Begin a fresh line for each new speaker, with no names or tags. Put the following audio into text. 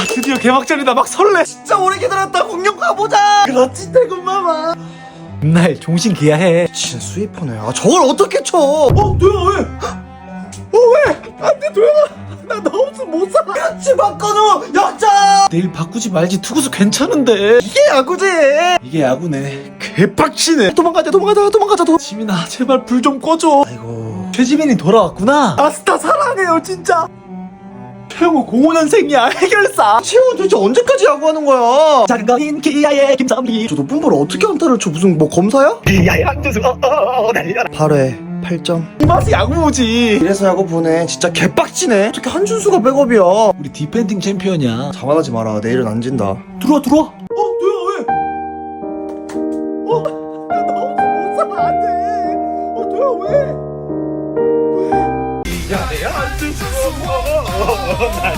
드디어 개막전이다. 막 설레.
진짜 오래 기다렸다. 공룡 가보자.
그렇지 태군마마. 맨날 종신 기야해.
진 스위퍼네. 아 저걸 어떻게 쳐?
도영아 왜? 왜? 안돼 도영아. 나 너 없으면 못 살아.
같이 바꿔줘. 역전.
내일 바꾸지 말지. 투구수 괜찮은데.
이게 야구지.
이게 야구네. 개빡치네.
도망가자.
지민아 제발 불 좀 꺼줘.
아이고.
최지민이 돌아왔구나. 아스타 사랑해요 진짜. 최영우 05년생이야. 해결사.
채원 도대체 언제까지 야구하는 거야?
작은 거인 기아의 김선비.
저 높은 볼 어떻게 안타를 쳐? 무슨 뭐 검사야?
기아의 한준수 날려라.
8회 8점.
이 맛이 야구지.
이래서 야구 보네. 진짜 개빡치네. 어떻게 한준수가 백업이야?
우리 디펜딩 챔피언이야.
자만하지 마라. 내일은 안 진다.
들어와. 도영아 왜? 나 없으면 못 살아. 안돼. 도영아 왜? 기아의 한준수